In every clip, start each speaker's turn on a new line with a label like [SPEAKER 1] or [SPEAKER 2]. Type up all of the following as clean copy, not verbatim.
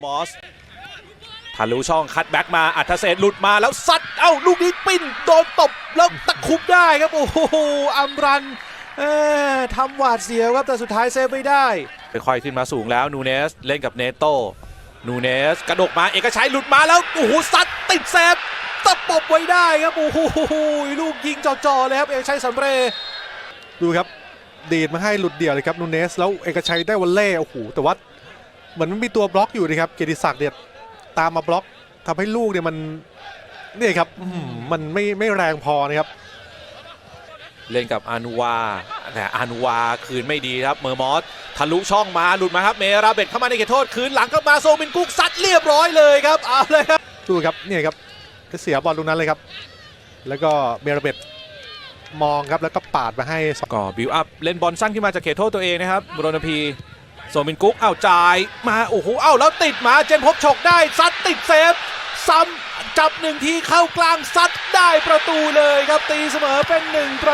[SPEAKER 1] บอสทะลุช่องคัดแบ็กมาอัธเศษหลุดมาแล้วซัดลูกนี้ปิ้นโดนตบแล้วตะคุบได้ครับโอ้โหอัมรันทำหวาดเสียวครับแต่สุดท้ายเซฟไม่ได้ค่อยๆขึ้นมาสูงแล้วนูเนสเล่นกับเนโต้นูเนสกระดกมาเอกชัยหลุดมาแล้วโอ้โหซัดติดเซฟตะปบไว้ได้ครับโอ้โหลูกยิงจ่อๆเลยครับเอกชัยสำเร็จ
[SPEAKER 2] ดูครับดีดมาให้หลุดเดี่ยวเลยครับนูเนสแล้วเอกชัยได้วอลเล่โอ้โหแต่ว่าเหมือนมันมีตัวบล็อกอยู่นะครับเกียรติศักดิ์เนี่ยตามมาบล็อกทำให้ลูกเนี่ยมันนี่ครับมันไม่แรงพอนะครับ
[SPEAKER 1] เล่นกับอานูวาแต่อานูวาคืนไม่ดีครับเมอร์มอสทะลุช่องมาหลุดมาครับเมราเบตเข้ามาในเขตโทษคืนหลังเข้ามาโซมินกุ๊กซัดเรียบร้อยเลยครับเอาเลยครับ
[SPEAKER 2] ดูครับนี่ครับก็เสียบอลตรงนั้นเลยครับแล้วก็เมราเบตมองครับแล้วก็ปาดมาให้
[SPEAKER 1] ก็บิวอัพเล่นบอลสั้นขึ้นมาจากเขตโทษตัวเองนะครับบรณพีโซมินกุ๊กจ่ายมาโอ้โหแล้วติดมาเจนพบฉกได้ซัดติดเซฟซ้ำจับหนึ่งทีเข้ากลางซัดได้ประตูเลยครับตีเสมอเป็น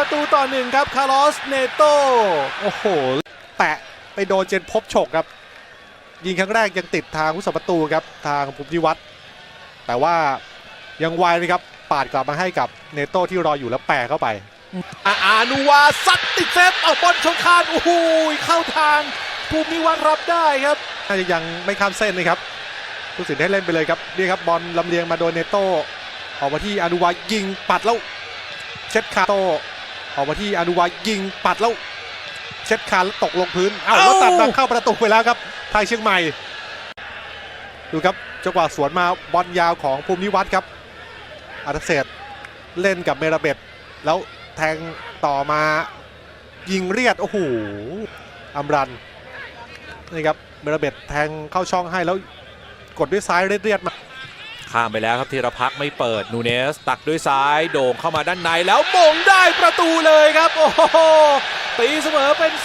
[SPEAKER 1] 1-1ครับคาร์ลอสเนโต
[SPEAKER 2] โอ้โหแตะไปโดนเจนพบฉกครับยิงครั้งแรกยังติดทางผู้สัประตูครับทางภูมิวัฒน์แต่ว่ายังไวเลยครับปาดกลับมาให้กับเนโตที่รออยู่แล้วแปะเข้าไป
[SPEAKER 1] อานูวาซัดติดเซฟบอลชนคานโอ้โหเข้าทางภูมิวัฒน์รับได้ครับ
[SPEAKER 2] น่าจะยังไม่ข้ามเส้นนะครับผู้สินให้เล่นไปเลยครับนี่ครับบอลลำเลียงมาโดนเนโตออกมาที่อานูวายิงปัดแล้วเช็ดคาโตออกมาที่อานูวายิงปัดแล้วเช็ดคาแล้วตกลงพื้นแล้วตัดมาเข้าประตูไปแล้วครับไทยเชียงใหม่ดูครับจังหวะสวนมาบอลยาวของภูมิวัฒน์ครับอัธเศษเล่นกับเมราเบตแล้วแทงต่อมายิงเรียดโอ้โหอัมรันนี่ครับเมราเบตแทงเข้าช่องให้แล้วกดด้วยซ้ายเรียดมา
[SPEAKER 1] ข้ามไปแล้วครับธีรพักษ์ไม่เปิดนูเนสตักด้วยซ้ายโด่งเข้ามาด้านในแล้วมงได้ประตูเลยครับโอ้โหตีเสมอเป็น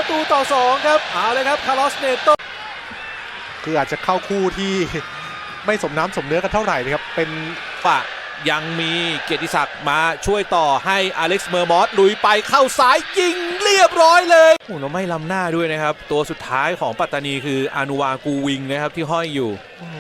[SPEAKER 1] 2-2ครับเอาเลยครับคาร์ลอสเนโต
[SPEAKER 2] คืออาจจะเข้าคู่ที่ไม่สมน้ำสมเนื้อกันเท่าไหร่นะครับเป็น
[SPEAKER 1] ฝ่ายังมีเกียรติศักดิ์มาช่วยต่อให้อเล็กซ์เมอร์มอสลุยไปเข้าซ้ายยิงเรียบร้อยเลยโอ้โหไม่ล้ำหน้าด้วยนะครับตัวสุดท้ายของปัตตานีคืออานูวากูวิงนะครับที่ห้อยอยู่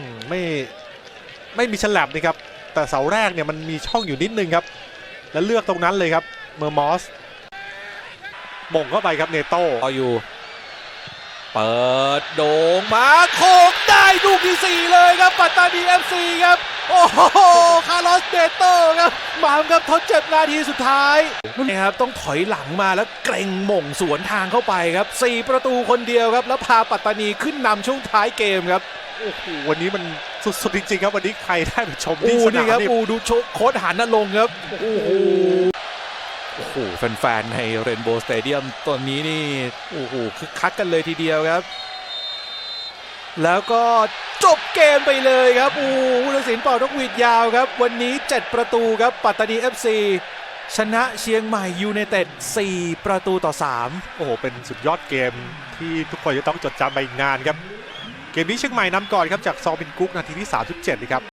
[SPEAKER 2] ไม่มีฉลับนะครับแต่เสาแรกเนี่ยมันมีช่องอยู่นิดนึงครับแล้วเลือกตรงนั้นเลยครับเมอร์มอสบ่งเข้าไปครับเนโต้
[SPEAKER 1] อยู่เปิดโด่งมาโคกได้ลูกที่4เลยครับปัตตานี FC ครับโอ้โหคาร์ลอสเนโต้ครับมาครับทดเจ็บนาทีสุดท้ายนี่ครับต้องถอยหลังมาแล้วเกรงหม่งสวนทางเข้าไปครับ4ประตูคนเดียวครับแล้วพาปัตตานีขึ้นนำช่วงท้ายเกมครับ
[SPEAKER 2] โอ้โหวันนี้มันสุดๆจริงๆครับวันนี้ใครได้ไปชมที่สนาม
[SPEAKER 1] นี่ดูโค้ชหันนรงค์ครับโอ้โหแฟนๆในเรนโบว์สเตเดียมตอนนี้นี่โอ้โหคึกคักกันเลยทีเดียวครับแล้วก็จบเกมไปเลยครับผู้ตัดสินเป่านกหวีดยาวครับวันนี้7ประตูครับปัตตานี FC ชนะเชียงใหม่ยูไนเต็ด4-3โ
[SPEAKER 2] อ้โหเป็นสุดยอดเกมที่ทุกคนจะต้องจดจำไปอีกนานครับเกมนี้เชียงใหม่นำก่อนครับจากซอมินกุ๊กนาทีที่37นะครับ